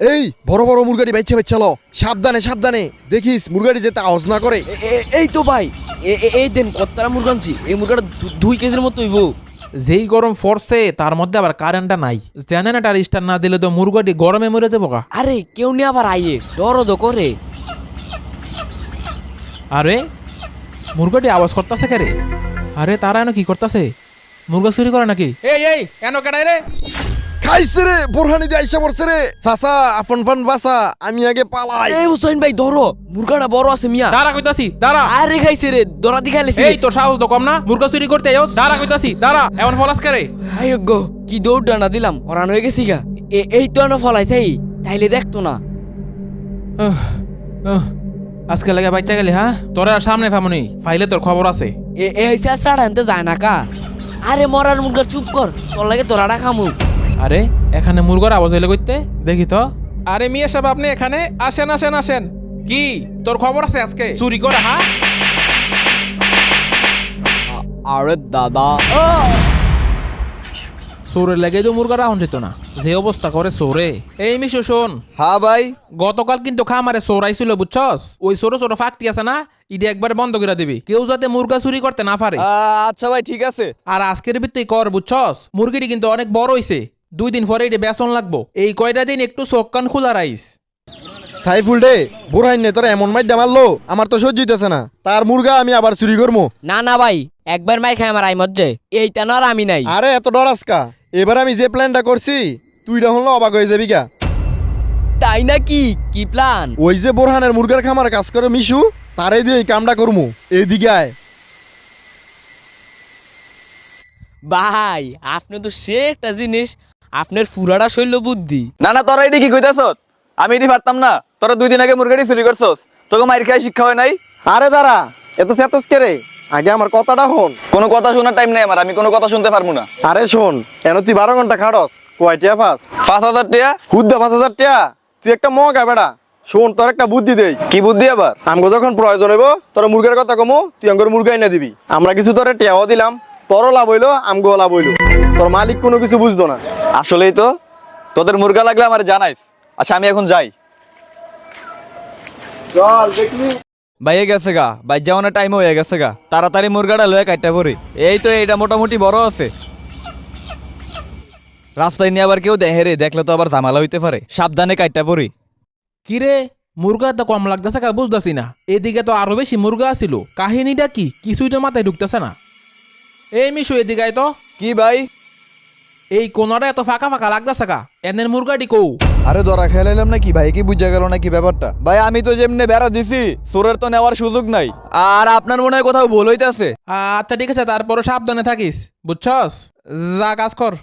এই বড় বড় মুরগাটি বাইচ্ছে চলো, সাবধানে সাবধানে, দেখিস মুরগাটি যেতে আওয়াজ না করে। এই তো ভাই, এই দেন কত্তারা মুরগা আনছি। এই মুরগাটা 2 কেজির মতো হইব। যেই গরম পড়ছে তার মধ্যে আবার কারেন্টটা নাই, জেনারেটর স্টার্ট না দিলে তো মুরগাটি গরমে মরে যাবো গা। আরে কেউ নিয়ে আবার আইয়ে দরদ করে। আরে মুরগাটি আওয়াজ করতেছে কে রে? আরে তারা এনো কি করতেছে? মুরগা চুরি করে নাকি? এই এনো কেডাই রে? খাইছে রে, বোরহানি দিয়ে আইসা পড়ছে রে। চাচা আপন ফান বাসা, আমি আগে পালাই। এই হুসাইন ভাই ধরো, মুরগাটা বড় আছে মিয়া। দাঁড়া কইতাছি, দাঁড়া। আরে খাইছে রে, দরা দি খাইছে। এই তোর সাহস তো কম না, মুরগা চুরি করতে আইস? দাঁড়া কইতাছি, দাঁড়া। এমন ফলাস কে রে? আয় গো, কি দৌড় ডানা দিলাম, হরান হয়ে গেছি গা। এই তো না ফলাই থাই, তাইলে দেখতো না। আজকে লাগে বাচ্চা গেলি হ্যাঁ? তোর আর সামনে ফামুনি ফাইলে তোর খবর আছে। এই চেষ্টাটা আনতে যায় না কা। আরে মরার মুরগা চুপ কর, তোর লাগে তোরাটা খামু। আরে এখানে মুরগার আওয়াজ হইলে কইতে দেখি তো। আরে মিয়া সাহেব আপনি এখানে আসেন আসেন আসেন। কি তোর খবর আছে আজকে চুরি করে? হ্যাঁ আরে দাদা, চোরের লেগে তো মুরগারা হন যেত না, যে অবস্থা করে চোরে। এই মিশু শোন। হ্যাঁ ভাই। গতকাল কিন্তু খামারে চোর আইছিল বুঝছস? ওই ছোট ছোট ফাঁকটি আছে না, ইডি একবার বন্ধ করে দিবি, কেউ যাতে মুরগা চুরি করতে না পারে। আচ্ছা ভাই ঠিক আছে। আর আজকের ভিত্তি কর বুঝছস? মুরগিটি কিন্তু অনেক বড় হইছে, 2 দিন পরে এটি বেতন লাগবো। এই কয়টা দিন একটু চোখ কান খোলা রাইস। সাইফুল ডে, বোরহান নে তোরা এমন মাইডা মারলো, আমার তো সহ্য হইতেছে না। তার মুরগা আমি আবার চুরি করবো? না না ভাই, একবার মাই খাই আমার আইমত যায়, এইটা না আর আমি নাই। আরে এত ডর আজকা, এবার আমি যে প্ল্যানটা করছি তুই হলো অবাক হয়ে যাবি গা। তাই নাকি? কি প্ল্যান? ওই যে বোরহানের মুরগার খামার কাজ করে মিশু, তারাই দিয়ে এই কামটা করমু। এইদিকে আয়। ভাই আপনি তো সে একটা জিনিস, আপনার ফুরাটা শৈল বুদ্ধি। না না তোরা এটি কি কইতাছ? আমি এটি পারতাম না। তোরা 2 দিন আগে মুরগাটি চুরি করছস, তোকে মাইর খাই শিক্ষা হয় নাই? আরে দাঁড়া, এত সেতস কে রে? আগে আমার কথাটা শোন। কোনো কথা শোনার টাইম নাই আমার, আমি কোনো কথা শুনতে পারবো না। আরে শোন, এন তুই 12 ঘন্টা খাটস, কয়টিয়া পাস? 5,000 টাকা? হুদ্দা 5,000 টাকা? তুই একটা মগা বেড়া। শোন, তোর একটা বুদ্ধি দেই। কি বুদ্ধি আবার? আমগো যখন প্রয়োজন হইব তোর মুরগের কথা কমু, তুই আমগোর মুরগা এনে দিবি। আমরা কিছু তোরে টেয়াও দিলাম, তোরও লাভ হইলো আমগো লাভ হইলো। তোর মালিক কোনো কিছু বুঝতো না। আসলেই তো, তোদের মুরগা লাগলে আমার জানাইস। আচ্ছা আমি এখন যাই। চল দেখলি। বাইয়ে গেছে গা, বাই যাওয়ানোর টাইম হয়ে গেছে গা। তাড়াতাড়ি মুরগাটা লয়ে কাটটা পড়ি। এই তো এইটা মোটামুটি বড় আছে। রাস্তায় নিয়ে আবার কেউ দেখে রে, দেখলে তো আবার ঝামেলা হইতে পারে। সাবধানে কাটটা পড়ি। কিরে মুরগা তো কম লাগতেছে কা, বুঝতেছি না। এদিকে তো আরো বেশি মুরগা আছিল, কাহিনীটা কি কিছুই তো মাথায় ঢুকতেছে না। এই মিশু এদিকে আয় তো। কি ভাই? এই কোনটা এত ফাঁকা ফাঁকা লাগতেছে কা, এনের মুরগাটি কৌ? আরে ধরা খেলাইলাম নাকি ভাই? কি বুঝা গেল নাকি ব্যাপারটা? ভাই আমি তো যেমনে বেড়া দিছি, চোরের তো নেওয়ার সুযোগ নাই। আর আপনার মনে হয় কোথাও ভুল হইতাছে। আচ্ছা ঠিক আছে, তারপরে সাবধানে থাকিস বুঝছস। যা কাজ কর।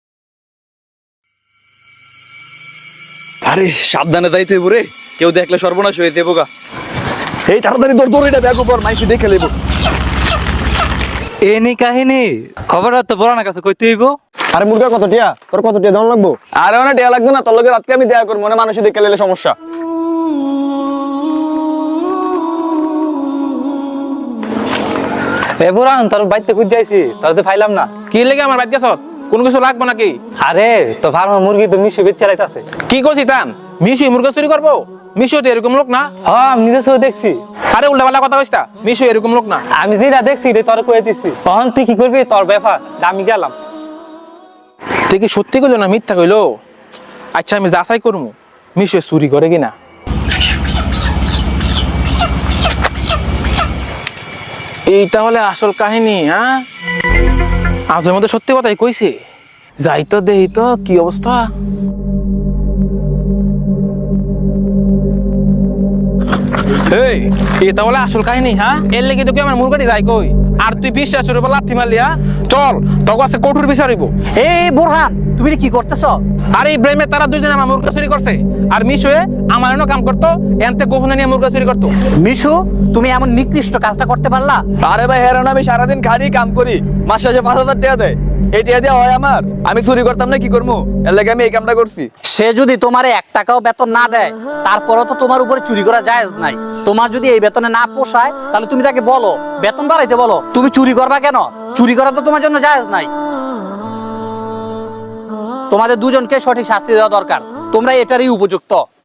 আরে সাবধানে যাইতে হইব রে, কেউ দেখলে সর্বনাশ হয়ে যাবো গা। এই তাড়াতাড়ি তোর দড়িটা ব্যাগ উপর, মাইসি দেখে লেবো। এনি কাহিনী খবরটা তো বড় না কাছে কইতে হইব। আরে মুরগা কত টিয়া? তোর কত টিয়া দাম লাগবো? আরে অনেক দেয়া লাগবে না, তোর লগে রাতকে আমি দেয়া করবো, মনে মানুষ দেখে লেলে সমস্যা। এ বুড়ান তোর বাইতে কই যাইছি, তোর তো ফাইলাম না। কি লেগে আমার বাদ গেছ? কোনো কিছু লাগবো নাকি? আরে তো ফার্মা মুরগি তো মিশে বেচ চালাইতাছে। কি করছি তান? মিশু মুরগা চুরি করবো? মিশু তো এরকম লোক না। হ্যাঁ আমি নিজে চোখে দেখছি। আরে উল্টাপাল্টা কথা কইস না, মিশু এরকম লোক না। আমি যেটা দেখছি রে তোর কয়ে দিছি। তখন তুই কি করবি তোর ব্যাপার, আমি গেলাম। তুই কি সত্যি কইলো না মিথ্যা কইলো? আচ্ছা আমি যাচাই করবো মিশু চুরি করে কিনা। এইটা হলে আসল কাহিনী। হ্যাঁ আজের মধ্যে সত্যি কথাই কইছে। যাই তো দেহি তো কি অবস্থা। এই এটা বলে আসল কাহিনী? হ্যাঁ এর লেগে তো কি আমার মুরগাটি যাই কই? আর তুই বিশ্বাসের উপর লাথি মারলি? হ্যাঁ চল তোর কাছে কঠোর বিচার হইব। এই বোরহান, তুমি কি করতেছ? আর এই ব্রেমে তারা দুইজনে আমার মুরগা চুরি করছে, আর মিশুয়ে আমার এনে কাম করতো, এনতে গোফনে নিয়ে মুরগা চুরি করতো। মিশু, তুমি এমন নিকৃষ্ট কাজটা করতে পারলা? আরে ভাই হেরান, আমি সারাদিন খাড়ি কাম করি, মাস শেষে 5,000 টাকা দেয়। এই টাকা দেওয়া হয় আমার? আমি চুরি করতাম না, কি করবো? এর লাগে আমি এই কামটা করছি। সে যদি তোমারে 1 টাকাও বেতন না দেয়, তারপরও তো তোমার উপরে চুরি করা জায়েজ নাই। তোমার যদি এই বেতনে না পোষায়, তাহলে তুমি তাকে বলো বেতন বাড়াইতে বলো। তুমি চুরি করবা কেন? চুরি করা তো তোমার জন্য জায়েজ নাই। তোমাদের দুজনকে সঠিক শাস্তি দেওয়া দরকার। তোমরা এটারই উপযুক্ত